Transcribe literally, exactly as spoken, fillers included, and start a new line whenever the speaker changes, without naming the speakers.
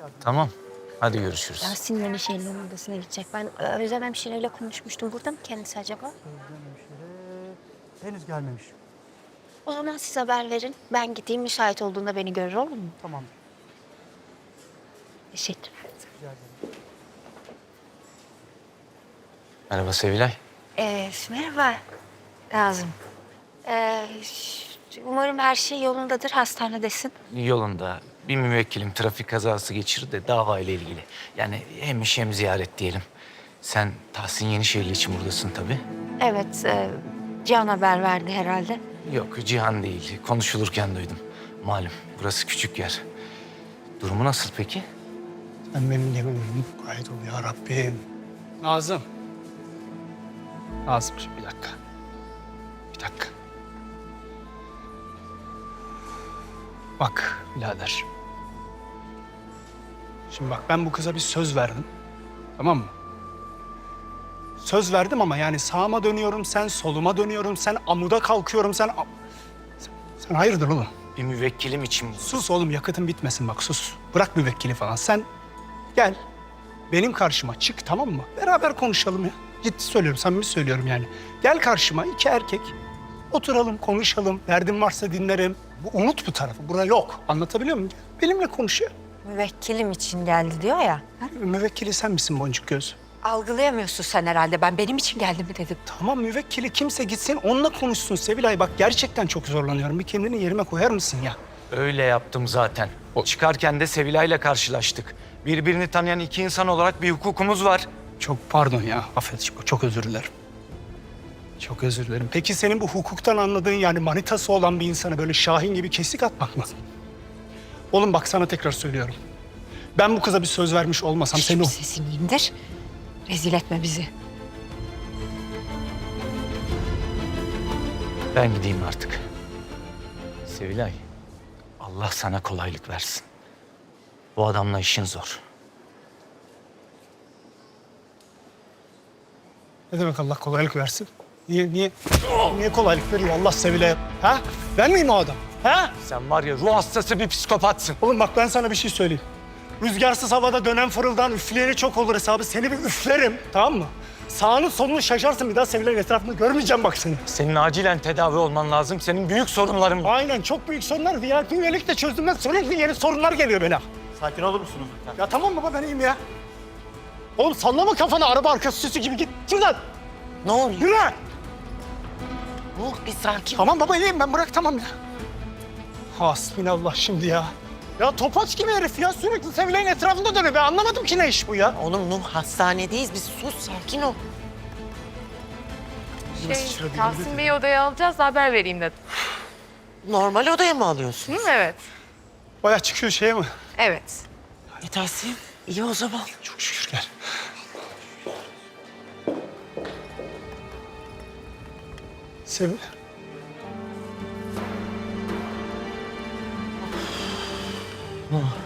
Tamam. Hadi görüşürüz.
Yasin yeni şeylerin odasına gidecek. Ben e, Özlem hemşireyle konuşmuştum. Burada mı kendisi acaba?
Özlem hemşire henüz gelmemiş.
O zaman siz haber verin. Ben gideyim. Müsait olduğunda beni görür, olur mu?
Tamam.
Teşekkür
Rica ederim.
Merhaba Sevilay.
Ee, merhaba Nazım. Ee, umarım her şey yolundadır. Hastanedesin.
Yolunda bir müvekkilim trafik kazası geçirdi de dava ile ilgili. Yani hem iş hem ziyaret diyelim. Sen Tahsin Yenişehirli için buradasın tabii.
Evet, e, Cihan haber verdi herhalde.
Yok Cihan değil. Konuşulurken duydum. Malum burası küçük yer. Durumu nasıl peki?
Sen benim yemeğimi gayet ol ya Rabbim. Nazım. Nazımcığım bir dakika. Bir dakika. Bak birader. Şimdi bak ben bu kıza bir söz verdim. Tamam mı? Söz verdim ama yani sağıma dönüyorum, sen soluma dönüyorum, sen amuda kalkıyorum, sen... Sen, sen hayırdır oğlum?
Bir müvekkilim için bu.
Sus oğlum yakıtın bitmesin bak sus. Bırak müvekkili falan. Sen gel benim karşıma çık tamam mı? Beraber konuşalım ya. Ciddi söylüyorum, samimi söylüyorum yani. Gel karşıma iki erkek. Oturalım, konuşalım. Derdin varsa dinlerim. Bu, unut bu tarafı. Bura yok. Anlatabiliyor muyum? Benimle konuş ya.
Müvekkilim için geldi diyor ya.
Müvekkili sen misin boncuk göz?
Algılayamıyorsun sen herhalde. Ben benim için geldi mi dedim.
Tamam müvekkili kimse gitsin onunla konuşsun Sevilay. Bak gerçekten çok zorlanıyorum. Bir kendini yerime koyar mısın ya?
Öyle yaptım zaten. O çıkarken de Sevilay'la karşılaştık. Birbirini tanıyan iki insan olarak bir hukukumuz var.
Çok pardon ya. Affet. Çok özür dilerim. Çok özür dilerim. Peki senin bu hukuktan anladığın yani manitası olan bir insana böyle Şahin gibi kesik atmak mı? Oğlum bak sana tekrar söylüyorum. Ben bu kıza bir söz vermiş olmasam seni... o-
Sesini indir. Rezil etme bizi.
Ben gideyim artık. Sevilay, Allah sana kolaylık versin. Bu adamla işin zor.
Ne demek Allah kolaylık versin? Niye, niye, niye kolaylık veriyor Allah Sevilay? Ha? Ben miyim o adam? Ha?
Sen var ya ruh hastası bir psikopatsın.
Oğlum bak ben sana bir şey söyleyeyim. Rüzgarsız havada dönen fırıldan üfleyeni çok olur hesabı. Seni bir üflerim tamam mı? Sağını solunu şaşarsın bir daha Sevilay'ın etrafında görmeyeceğim bak seni.
Senin acilen tedavi olman lazım. Senin büyük sorunların var.
Aynen çok büyük sorunlar. V I P üyelik de çözdüğümden sürekli yeni sorunlar geliyor bana.
Sakin olur musunuz?
Ya tamam baba ben iyiyim ya. Oğlum sallama kafanı araba arkası süsü gibi git. Şuradan.
Ne oluyor?
Yürü.
Ruh bir sakin.
Tamam baba iyiyim ben bırak tamam ya. Hasbinallah şimdi ya. Ya topaç gibi herif ya sürekli Sevilay'ın etrafında dönüyor. Ben anlamadım ki ne iş bu ya.
Oğlum Nuh hastanedeyiz biz sus sakin ol.
Nasıl
Şey, Tahsin Bey'i odaya alacağız da haber vereyim dedim.
Normal odaya mı alıyorsun?
Hı, evet.
Baya çıkıyor şeye mi?
Evet.
E Tahsin iyi o zaman.
Çok şükür gel. Sevil.
Nuh